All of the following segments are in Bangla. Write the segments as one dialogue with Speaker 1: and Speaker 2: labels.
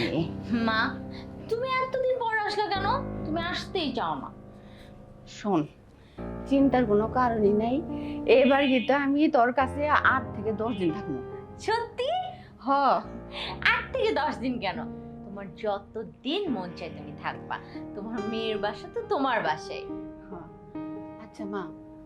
Speaker 1: মা, তুমি এতদিন পর আসলে কেন? তুমি আসতেই চাও না।
Speaker 2: শোন, চিন্তার কোনো কারণই নাই। এবার কিন্তু আমি তোর কাছে 8 থেকে 10 দিন থাকবো।
Speaker 1: সত্যি?
Speaker 2: হ।
Speaker 1: 8 থেকে 10 দিন কেন? তোমার যত দিন মন চায় তুমি থাকবা। তোমার মেয়ের বাসা তো তোমার বাসায়।
Speaker 2: হ্যাঁ। আচ্ছা মা,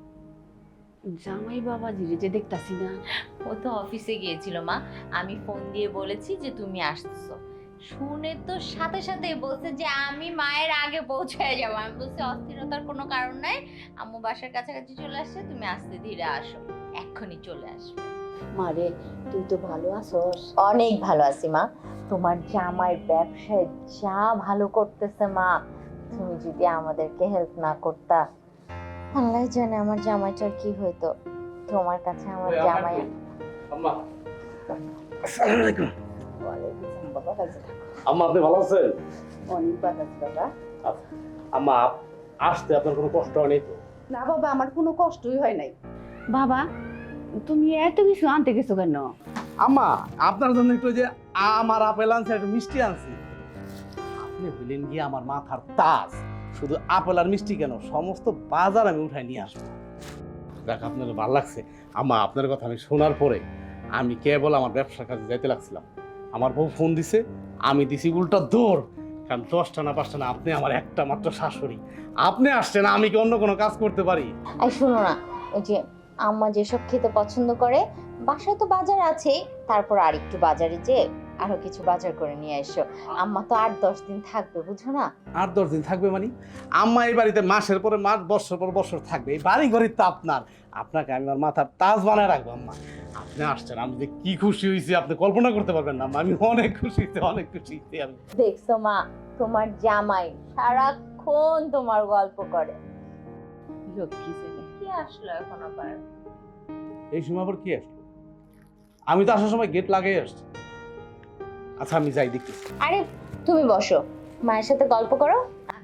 Speaker 2: জামাই বাবাজি যে দেখতাছি না।
Speaker 1: ও তো অফিসে গিয়েছিল মা। আমি ফোন দিয়ে বলেছি যে তুমি আসতেছো। শুনে তো সাথে সাথেই বলছে যে আমি মায়ের আগে পৌঁছায় যাবো। আমি বলছি অস্থিরতার কোনো কারণ নাই, আম্মু বাসার কাছাকাছি চলে আসছে, তুমি আস্তে ধীরে আসো, এক্ষুনি চলে আসবে।
Speaker 2: মারে, তুই তো ভালো আছস?
Speaker 1: অনেক ভালো আছি মা। তোমার জামাইয়ের ব্যবসায় যা ভালো করতেছে মা, তুমি যদি আমাদেরকে হেল্প না করতা, আল্লাহ জানে আমার জামাইটার কি হইতো। তোমার কাছে আমার জামাই।
Speaker 3: আম্মা আসসালামু আলাইকুম।
Speaker 2: ওয়ালাইকুম আসসালাম বাবা, কাজে থাকো।
Speaker 3: আম্মা আপনি ভালো আছেন?
Speaker 2: অনেক ভালো আছি বাবা।
Speaker 3: আচ্ছা, আম্মা আসতে আপনার কোনো কষ্ট হয়নি তো?
Speaker 2: না বাবা, আমার কোনো কষ্টই হয় নাই। বাবা, তুমি এত কিছু আনতে গেছো কেন?
Speaker 3: আম্মা আপনার জন্য একটু যে আমার আপেল আনছে, একটু মিষ্টি আনছি। আপনি হইলেন গিয়ে আমার মাথার তাজ। শুধু আপেল আর মিষ্টি কেন, সমস্ত বাজার আমি উঠাই নিয়ে আসবো। দেখ আপনার ভালো লাগছে। আম্মা আপনার কথা আমি শোনার পরে আমি কেবল আমার ব্যবসার কাজে যাইতে লাগছিলাম, আমার বউ ফোন দিছে, আমি দিছি উল্টা দৌড়। কারণ 10টা না 5টা না, আপনি আমার একটা মাত্র শাশুড়ি। আপনি আসছেন, আমি কি অন্য কোনো কাজ করতে পারি?
Speaker 1: আর শোনো না, ওই যে আম্মা যেসব খেতে পছন্দ করে, বাসায় তো বাজার আছেই, তারপর আর একটু বাজারে যে আরো কিছু বাজার করে নিয়ে এসো। আম্মা তো 8-10 দিন থাকবে, বুঝো না?
Speaker 3: 8-10 দিন থাকবে মানে? আম্মা এই বাড়িতে মাসের পরে মাস, বছর পর বছর থাকবে। এই বাড়ি ঘরই তো আপনার, আপনাকে আমি আমার মাথার তাজ বানায় রাখবো। আম্মা আপনি আসছেন, আমি যে কি খুশি হয়েছি আপনি কল্পনা করতে পারবেন না আম্মা। আমি অনেক খুশি হয়েছি, অনেক খুশি হয়েছি আমি।
Speaker 1: দেখছো মা, তোমার জামাই সারাক্ষণ তোমার গল্প করে।
Speaker 2: লক্ষ্মী ছেলে।
Speaker 1: কি আসলো এখন আবার?
Speaker 3: এই সময় আবার কি আসলো? আমি তো আসার সময় গেট লাগাই আসছি। আচ্ছা আমি যাই দেখি।
Speaker 1: আরে তুমি বসো, মায়ের সাথে গল্প করো।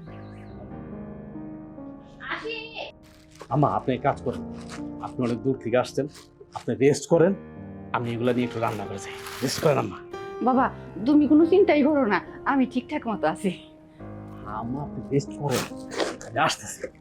Speaker 3: আম্মা আপনি এক কাজ করেন, আপনি অনেক দূর থেকে আসছেন, আপনি রেস্ট করেন, আমি এগুলা নিয়ে একটু রান্না করে যাই। রেস্ট করেন আম্মা।
Speaker 2: বাবা, তুমি কোনো চিন্তাই করো না, আমি ঠিকঠাক মতো আছি।
Speaker 3: আম্মা আপনি রেস্ট করেন, আমি আসতেছি।